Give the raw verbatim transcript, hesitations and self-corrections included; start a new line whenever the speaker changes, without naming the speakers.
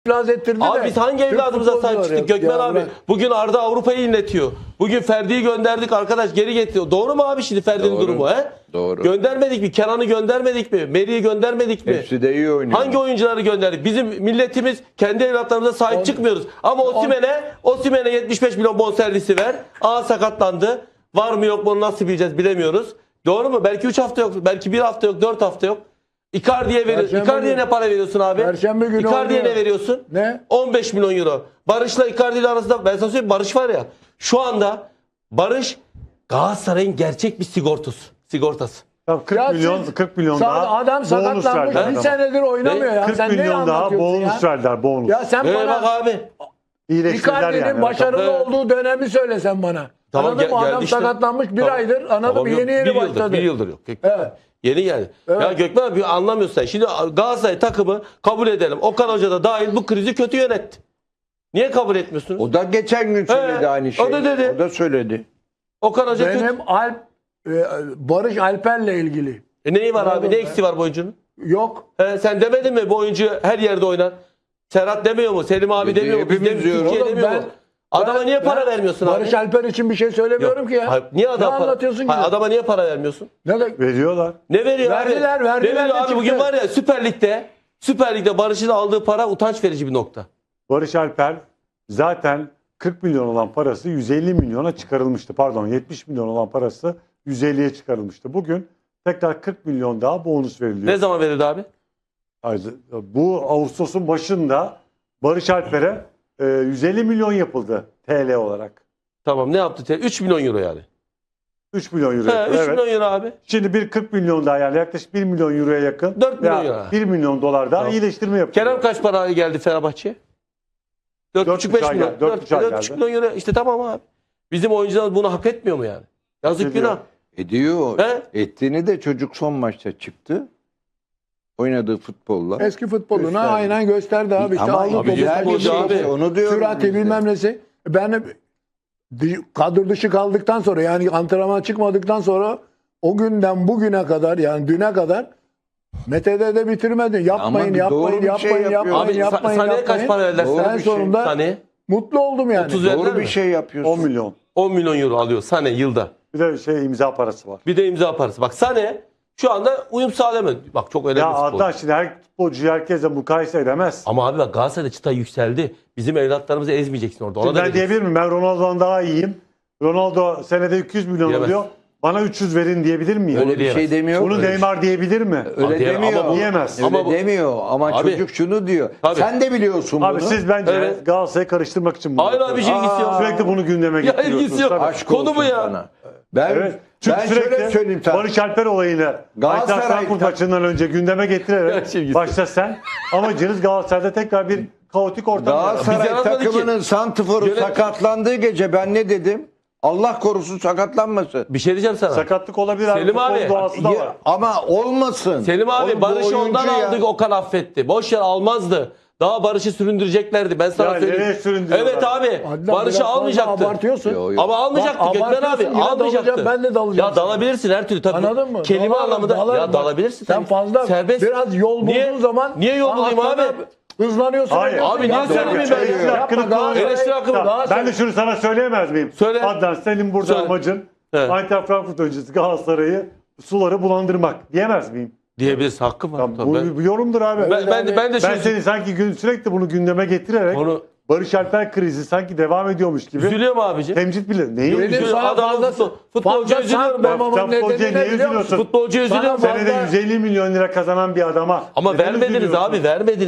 iflas ettirdi
Abi
de.
biz hangi
Türk
evladımıza sahip
futbolcuları
çıktık
ya.
Gökmen
Ya
abi?
bırak.
Bugün Arda Avrupa'yı inletiyor. Bugün Ferdi'yi gönderdik arkadaş geri getiriyor. Doğru mu abi şimdi Ferdi'nin
Doğru.
durumu he?
Doğru.
Göndermedik mi? Kenan'ı göndermedik mi? Meri'yi göndermedik mi?
Hepsi de iyi oynuyor.
Hangi oyuncuları gönderdik? Bizim milletimiz kendi evlatlarımıza sahip
On-
çıkmıyoruz. Ama Osimhen'e Osimhen'e yetmiş beş milyon bonservisi ver. Aa sakatlandı. Var mı yok mu onu nasıl bileceğiz bilemiyoruz. Doğru mu? Belki üç hafta yok. Belki bir hafta yok. dört hafta yok. Icardi'ye veriyorsun.
Perşembe
Icardi'ye
günü-
ne para veriyorsun abi?
Perşembe günü
Icardi'ye
oynuyor.
ne veriyorsun?
Ne?
on beş milyon euro. Barış'la Icardi ile arasında ben sana söyleyeyim Barış var ya. Şu anda Barış Galatasaray'ın gerçek bir sigortası. Sigortası.
Tabii kırk
Ya
milyon
siz-
kırk milyon
Sa-
daha
adam
bonus
sakatlanmış.
verdiler
Bir
adama.
senedir oynamıyor ya.
kırk
Sen ne
milyon daha
anlatıyorsun
bonus
ya?
verdiler bonus.
Ya sen
Ee, bak
bana
abi.
İyileştirdiler
Icardi'nin
yani.
başarılı
Evet.
olduğu dönemi söyle sen bana.
Tamam,
Anladın
gel-
mı?
geldi
Adam
işte.
sakatlanmış bir
Tamam.
aydır. Anladın
Tamam,
mı?
yok.
Yeni yeni
bir yıldır,
başladı.
Bir yıldır yok.
Evet.
Yeni geldi.
Evet.
Ya Gökmen abi anlamıyorsun sen. Şimdi Galatasaray takımı kabul edelim. Okan Hoca da dahil bu krizi kötü yönetti. Niye kabul etmiyorsunuz?
O da geçen gün söyledi
He,
aynı
o
şeyi.
da dedi.
O da söyledi.
Okan Hoca kötü.
Benim Alp e, Barış Alper'le ilgili.
E neyi var abi?
Anladım
Ne
ben.
eksiği var bu oyuncunun?
Yok.
He, sen demedin mi bu oyuncu her yerde oynar? Serhat demiyor mu? Selim abi
Dedi,
demiyor mu? Biz
hepimiz
de-
diyoruz.
Türkiye
Oğlum
demiyor
ben-
mu? Adama
Ben-
niye para
ben
vermiyorsun
Barış
abi?
Alper için bir şey söylemiyorum
Yok.
ki ya.
Hayır, niye
Ne
adama para,
anlatıyorsun ki?
Hayır,
ya?
adama niye para vermiyorsun?
Ne de
Veriyorlar.
Ne veriyor
Verdiler,
abi?
verdiler
Ne veriyor
de
abi? Bugün
çıktı.
var ya Süper Lig'de Süper Lig'de Barış'ın aldığı para utanç verici bir nokta.
Barış Alper zaten kırk milyon olan parası yüz elli milyona çıkarılmıştı. Pardon yetmiş milyon olan parası yüz elliye çıkarılmıştı. Bugün tekrar kırk milyon daha bonus veriliyor.
Ne zaman verildi abi?
Ayrıca bu Ağustos'un başında Barış Alper'e e, yüz elli milyon yapıldı T L olarak.
Tamam ne yaptı? üç milyon euro yani.
üç milyon euro.
He, üç
evet.
milyon euro abi.
Şimdi bir kırk milyon daha yani yaklaşık bir milyon euroya yakın.
dört milyon
veya
euro.
bir milyon dolar daha
Tamam.
iyileştirme yapıyor.
Kerem kaç para geldi Fenerbahçe'ye? dört buçuk beş
buçuk ay
milyon.
geldi, dört buçuk ay
dört buçuk
geldi.
milyon euro. İşte tamam abi. Bizim oyuncular bunu hak etmiyor mu yani? Yazık
Ediyor.
günah.
Ediyor.
He?
Ettiğini de çocuk son maçta çıktı. Oynadığı futbolla.
eski futboluna
Gösterdi.
aynen gösterdi abi. İşte
Ama
aldı topu,
güzel bir
futbolcu
şey.
abi.
işte, Onu diyorum.
sürati
biz de.
bilmem nesi. Ben di- kadro dışı kaldıktan sonra yani antrenman çıkmadıktan sonra o günden bugüne kadar yani düne kadar Mete'de de bitirmedi. Yapmayın,
bir
yapmayın,
doğru bir
yapmayın,
şey yapıyor.
yapmayın,
Abi
yapmayın,
Sané'ye
yapmayın.
kaç para verdiler?
Doğru
En
bir şey.
sonunda
Sané
mutlu oldum yani.
otuz verdiler
Doğru bir
mi?
şey yapıyorsun.
on milyon.
on milyon euro alıyor Sané yılda.
Bir de şey imza parası var.
Bir de imza parası. Bak Sané şu anda uyum sağlayamadı. Bak çok önemli
Ya
bir futbolcu.
Adnan şimdi her futbolcuyu herkese mukayese edemez.
Ama abi bak Galatasaray'da çıta yükseldi. Bizim evlatlarımızı ezmeyeceksin orada. Ona
Şimdi
da
ben
vereceksin.
diyebilir miyim? Ben Ronaldo'dan daha iyiyim. Ronaldo senede iki yüz milyon
Diyemez.
alıyor. Bana üç yüz verin diyebilir miyim?
Öyle
Öyle bir
diyemez.
şey demiyor.
Bunu
Öyle-
Neymar diyebilir mi?
Öyle
Abi,
demiyor.
ama bu-
Diyemez.
Öyle
Ama bu-
demiyor ama
Abi-
çocuk şunu diyor.
Abi-
Sen de biliyorsun
Abi
bunu.
siz bence
Evet.
Galatasaray'ı karıştırmak için bunu
Hayır abi bir şey
yapıyorsunuz.
ilgisi yok.
Sürekli bunu gündeme
Ya
getiriyorsunuz.
ilgisi yok.
Tabii.
Aşk
Konu
olsun
bu ya.
sana. Ben,
Evet. Çünkü
ben şöyle
sürekli
söyleyeyim sana.
Barış Alper olayını
Galatasaray
Eintracht Frankfurt
tak-
maçından önce gündeme
Ya
getirerek
şey ilgisi
başta sen amacınız Galatasaray'da tekrar bir kaotik ortam yaratmak.
Biz
Galatasaray
yaratmadık ki.
takımının santiforu
Yönet-
sakatlandığı gece ben ne dedim? Allah korusun sakatlanmasın.
Bir şey diyeceğim sana.
Sakatlık olabilir abi.
Selim
Futbolun
abi.
doğası da var.
Ya- ama olmasın.
Selim abi
Oğlum bu
Barış'ı
oyuncu
ondan
ya.
aldık Okan affetti. Boş yer almazdı. Daha Barış'ı süründüreceklerdi. Ben sana
Ya
söyleyeyim.
nereye süründürüyorlar?
Evet abi.
Adnan, biraz
Barış'ı
fazla
almayacaktı.
Abartıyorsun.
Yo, yo.
Ama almayacaktı
Bak,
Gökmen abi.
abartıyorsun, yine
Almayacaktı.
dalacağım, ben de dalacağım
Ya dalabilirsin her türlü tabii.
Anladın mı?
Kelime
Dalarım,
anlamında.
dalarım.
Ya
Bak,
dalabilirsin
sen
tabii.
fazla
Serbest.
biraz yol bulduğun
Niye-
zaman
Niye yol bulayım
aslında
abi?
Hızlanıyorsun.
Hayır.
ediyorsun.
Abi niye
Yapma,
söylemeyeyim
yapma,
ben ya?
Eleştiri
yapma,
hakkını
Galatasaray-
kullanıyor.
Eleştiri hakkımı-
Tamam,
Galatasaray-
Ben de şunu sana söyleyemez miyim?
Söyle.
Adnan senin burada
Söyle.
amacın
Evet.
Eintracht Frankfurt öncesi Galatasaray'ı suları bulandırmak diyemez miyim?
Diyebilirsin. Hakkım var.
Tamam,
Tabii.
bu
Ben,
bir yorumdur abi.
ben, ben, de, ben de
Ben
şu
seni sanki gün, sürekli bunu gündeme getirerek
Onu
Barış Alper krizi sanki devam ediyormuş gibi
üzülüyorum abici.
temcit bile. Neyi
Benim
üzülüyorsun?
sana
Adamın
fazla,
futbol- futbolcu
fazla
üzülüyorum ben.
sarkmamamın
Sen futbolcuya
nedeni ne
niye
biliyor musun?
üzülüyorsun?
Futbolcu üzülüyorum.
Sana
Senede
fazla-
yüz elli milyon lira kazanan bir adama
Ama
neden
vermediniz
üzülüyorsun?
abi vermediniz.